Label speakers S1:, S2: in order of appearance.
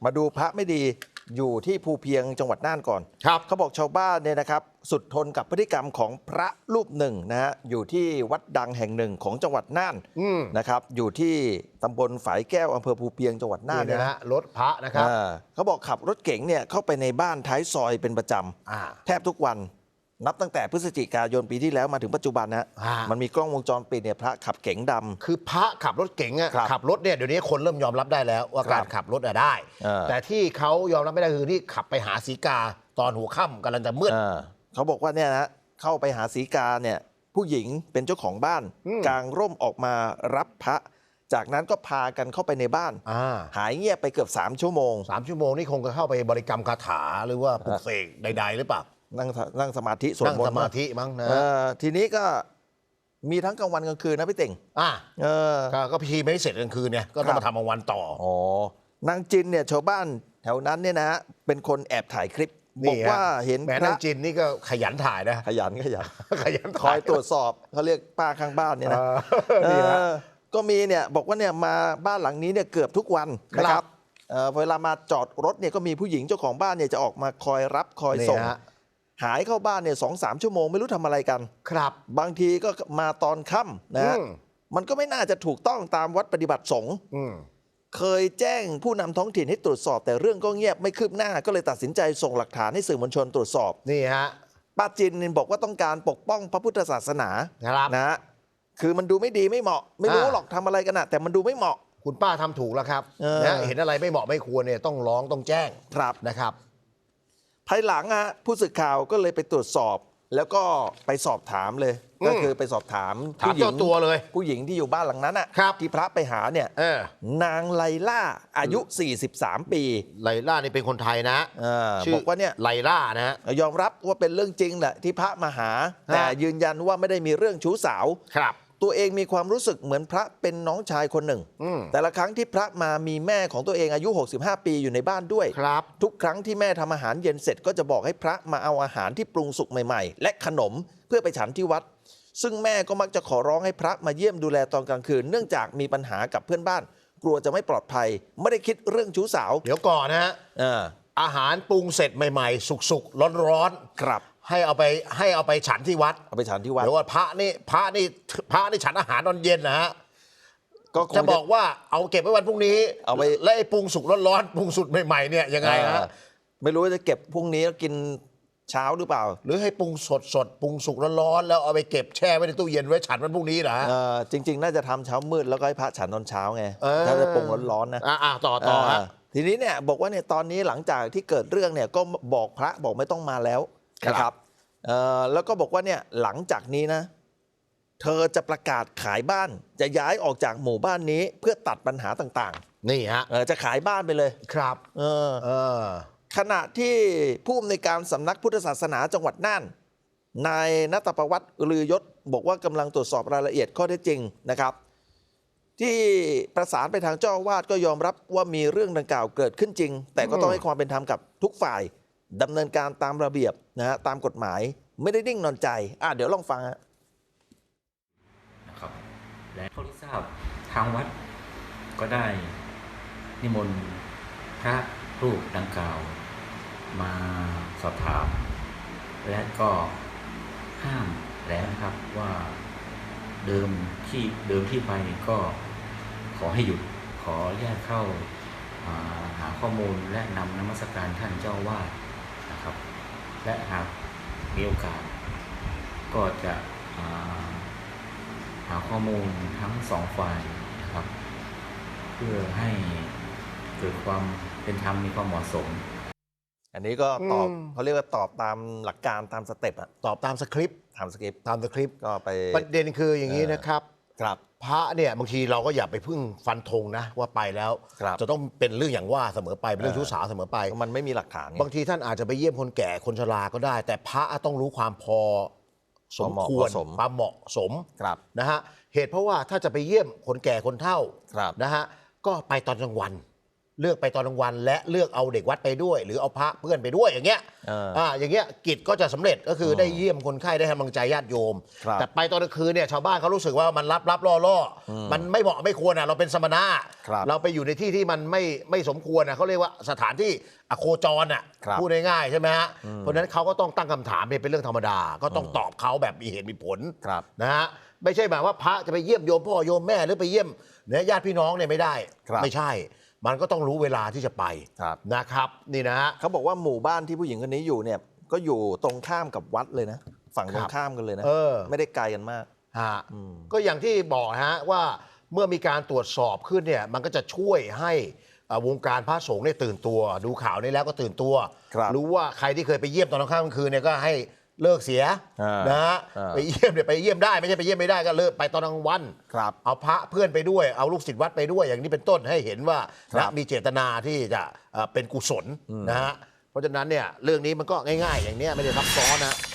S1: มาดูพระไม่ดีอยู่ที่ภูเพียงจังหวัดน่านก่อน
S2: ครับ
S1: เขาบอกชาวบ้านเนี่ยนะครับสุดทนกับพฤติกรรมของพระรูปหนึ่งนะฮะอยู่ที่วัดดังแห่งหนึ่งของจังหวัดน่านนะครับอยู่ที่ตำบลฝายแก้วอำเภอภูเพียงจังหวัดน่านเนี่ยนะ
S2: รถพระนะครับ
S1: เขาบอกขับรถเก๋งเนี่ยเข้าไปในบ้านท้ายซอยเป็นประจำแทบทุกวันนับตั้งแต่พฤศจิกายนปีที่แล้วมาถึงปัจจุบันนะมันมีกล้องวงจรปิดเนี่ยพระขับเก๋งดำ
S2: คือพระขับรถเก๋งขับรถเนี่ยเดี๋ยวนี้คนเริ่มยอมรับได้แล้วว่าการขับรถได้ แต่ที่เขายอมรับไม่ได้คือที่ขับไปหาสีกาตอนหัวค่ำกำลังจะมืด
S1: เขาบอกว่าเนี่ยนะเข้าไปหาสีกาเนี่ยผู้หญิงเป็นเจ้าของบ้านกางร่มออกมารับพระจากนั้นก็พากันเข้าไปในบ้านหายเงียบไปเกือบ3 ชั่วโมง
S2: 3 ชั่วโมงนี่คงจะเข้าไปบริกรรมคาถาหรือว่าปลุกเสกใดๆหรือเปล่า
S1: นั่งสมาธิสวดมนต์นั่ง
S2: สมาธิมั้งนะ
S1: ทีนี้ก็มีทั้งกลางวันกลางคืนนะพี่เต่ง
S2: ก็พิธีไม่เสร็จกลางคืนเนี่ยก็ต้องมาทำกลางวันต่
S1: อนางจินเนี่ยชาวบ้านแถวนั้นเนี่ยนะเป็นคนแอบถ่ายคลิปบอกว่าเห็น
S2: แม่นางจินนี่ก็ขยันถ่ายนะ
S1: ขยันคอยตรวจสอบเขาเรียกป้าข้างบ้านเนี่ยนะก็มีเนี่ยบอกว่าเนี่ยมาบ้านหลังนี้เนี่ยเกือบทุกวันนะครับเวลามาจอดรถเนี่ยก็มีผู้หญิงเจ้าของบ้านเนี่ยจะออกมาคอยรับคอยส่งหายเข้าบ้านเนี่ย2-3 ชั่วโมงไม่รู้ทำอะไรกัน
S2: ครับ
S1: บางทีก็มาตอนค่ำนะมันก็ไม่น่าจะถูกต้องตามวัดปฏิบัติสงฆ์เคยแจ้งผู้นำท้องถิ่นให้ตรวจสอบแต่เรื่องก็เงียบไม่คืบหน้าก็เลยตัดสินใจส่งหลักฐานให้สื่อมวลชนตรวจสอบ
S2: นี่ฮะ
S1: ป้าจินบอกว่าต้องการปกป้องพระพุทธศาสนานะคือมันดูไม่ดีไม่เหมาะไม่รู้หรอกทำอะไรกันนะแต่มันดูไม่เหมาะ
S2: คุณป้าทำถูกแล้วครับนะเห็นอะไรไม่เหมาะไม่ควรเนี่ยต้องร้องต้องแจ้งนะครับ
S1: ภายหลังผู้สื่อข่าวก็เลยไปตรวจสอบแล้วก็ไปสอบถามเลยก็คือไปสอบถาม
S2: ผู้หญิงตัวเลย
S1: ผู้หญิงที่อยู่บ้านหลังนั้นที่พระไปหาเนี่ยนางไลล่าอายุ43 ปี
S2: ไลล่านี่เป็นคนไทยนะ
S1: บอกว่าเนี่ย
S2: ไลล่านะ
S1: ยอมรับว่าเป็นเรื่องจริงแหละที่พระมาหาแต่ยืนยันว่าไม่ได้มีเรื่องชู้สาวตัวเองมีความรู้สึกเหมือนพระเป็นน้องชายคนหนึ่งแต่ละครั้งที่พระมามีแม่ของตัวเองอายุ65 ปีอยู่ในบ้านด้วยทุกครั้งที่แม่ทำอาหารเย็นเสร็จก็จะบอกให้พระมาเอาอาหารที่ปรุงสุกใหม่ๆและขนมเพื่อไปฉันที่วัดซึ่งแม่ก็มักจะขอร้องให้พระมาเยี่ยมดูแลตอนกลางคืนเนื่องจากมีปัญหากับเพื่อนบ้านกลัวจะไม่ปลอดภัยไม่ได้คิดเรื่องชู้สาว
S2: เดี๋ยวก่อนนะฮะอาหารปรุงเสร็จใหม่ๆสุกๆร้อนๆ
S1: ครับ
S2: ให้เอาไปฉันที่วัด
S1: เอาไปฉันที่วัด
S2: เดี๋ยวว่าพระนี่ฉันอาหารตอนเย็นนะฮะก็จะบอกว่าเอาเก็บไว้วันพรุ่งนี้
S1: เอาไป
S2: และไอ้ปรุงสุกร้อนๆปรุงสุกใหม่ๆเนี่ยยังไงฮะ
S1: ไม่รู้จะเก็บพรุ่งนี้แล้วกินเช้าหรือเปล่า
S2: หรือให้ปรุงสดปรุงสุกร้อนๆแล้วเอาไปเก็บแช่ไว้ในตู้เย็นไว้ฉันวันพรุ่งนี้เหรอ
S1: จริงๆน่าจะทำเช้ามืดแล้วก็ให้พระฉันตอนเช้าไงถ้าจะปรุงร้อนๆนะ
S2: ต่อฮะ
S1: ทีนี้เนี่ยบอกว่าเนี่ยตอนนี้หลังจากที่เกิดเรื่องเนี่ยก็บอกพระบอกไม่ต้องมาแล้วนะครับแล้วก็บอกว่าเนี่ยหลังจากนี้นะเธอจะประกาศขายบ้านจะย้ายออกจากหมู่บ้านนี้เพื่อตัดปัญหาต่าง
S2: ๆนี่ฮะ
S1: จะขายบ้านไปเลย
S2: ครับ
S1: ขณะที่ผู้อำนวยการสำนักพุทธศาสนาจังหวัดน่านนายณัฐประวัติลือยศบอกว่ากำลังตรวจสอบรายละเอียดข้อเท็จจริงนะครับที่ประสานไปทางเจ้าอาวาสก็ยอมรับว่ามีเรื่องดังกล่าวเกิดขึ้นจริงแต่ก็ต้องให้ความเป็นธรรมกับทุกฝ่ายดำเนินการตามระเบียบนะฮะตามกฎหมายไม่ได้นิ่งนอนใจเดี๋ยวลองฟัง
S3: นะครับและเท่าที่ทราบทางวัดก็ได้นิมนต์พระรูปดังกล่าวมาสอบถามและก็ห้ามแล้วนะครับว่าเดิมที่ไปก็ขอให้หยุดขอแยกเข้าหาข้อมูลและนำนมัสการท่านเจ้าวาดนะครับและหากมีโอกาสก็จะหาข้อมูลทั้ง2 ฝ่ายนะครับเพื่อให้เกิดความเป็นธรรมมีความเหมาะสม
S1: อันนี้ก็ตอบเขาเรียกว่าตอบตามหลักการตามสเต็ป
S2: ตอบตามสคริปต์
S1: ก็ไป
S2: ประเด็นคืออย่างนี้นะครับพระเนี่ยบางทีเราก็อย่าไปพึ่งฟันธงนะว่าไปแล้วจะต้องเป็นเรื่องอย่างว่าเสมอไปเป็นเรื่องชู้สาวเสมอไป
S1: มันไม่มีหลักฐาน
S2: บางทีท่านอาจจะไปเยี่ยมคนแก่คนชราก็ได้แต่พระต้องรู้ความพอสมควรความเหมาะสมนะฮะเหตุเพราะว่าถ้าจะไปเยี่ยมคนแก่คนเฒ่านะฮะก็ไปตอนกลางวันเลือกไปตอนกลางวันและเลือกเอาเด็กวัดไปด้วย หรือเอาพระเพื่อนไปด้วยอย่างเงี้ยอย่างเงี้ยกิจก็จะสำเร็จก็คือได้เยี่ยมคนไข้ได้ให้กำลังใจญาติโยมแต่ไปตอนกลางคืนเนี่ยชาวบ้านเขารู้สึกว่ามันรับล่อมันไม่เหมาะไม่ควรเราเป็นสมณะเราไปอยู่ในที่ที่มันไม่สมควรเขาเรียกว่าสถานที่อโคจรพูดง่ายๆใช่ไหมฮะเพราะฉะนั้นเขาก็ต้องตั้งคำถามเป็นเรื่องธรรมดาก็ต้องตอบเขาแบบมีเหตุมีผลนะฮะไม่ใช่แบบว่าพระจะไปเยี่ยมโยมพ่อโยมแม่หรือไปเยี่ยมเนี่ยญาติพี่น้องเนี่ยไม่ได้ไม่ใช่มันก็ต้องรู้เวลาที่จะไปนะครับนี่นะฮะ
S1: เขาบอกว่าหมู่บ้านที่ผู้หญิงคนนี้อยู่เนี่ยก็อยู่ตรงข้ามกับวัดเลยนะฝั่งตรงข้ามกันเลยนะไม่ได้ไกลกันมาก
S2: ก็อย่างที่บอกฮะว่าเมื่อมีการตรวจสอบขึ้นเนี่ยมันก็จะช่วยให้วงการพระสงฆ์เนี่ยตื่นตัวดูข่าวนี้แล้วก็ตื่นตัวรู้ว่าใครที่เคยไปเยี่ยมตอนกลางคืนเนี่ยก็ให้เลิกเสียนะฮะไปเยี่ยมเนี่ยไปเยี่ยมได้ไม่ใช่ไปเยี่ยมไม่ได้ก็เลิกไปตอนกลางวันเอาพระเพื่อนไปด้วยเอาลูกศิษย์วัดไปด้วยอย่างนี้เป็นต้นให้เห็นว่ามีเจตนาที่จะเป็นกุศลนะฮะเพราะฉะนั้นเนี่ยเรื่องนี้มันก็ง่ายๆอย่างนี้ไม่ได้ซับซ้อนนะ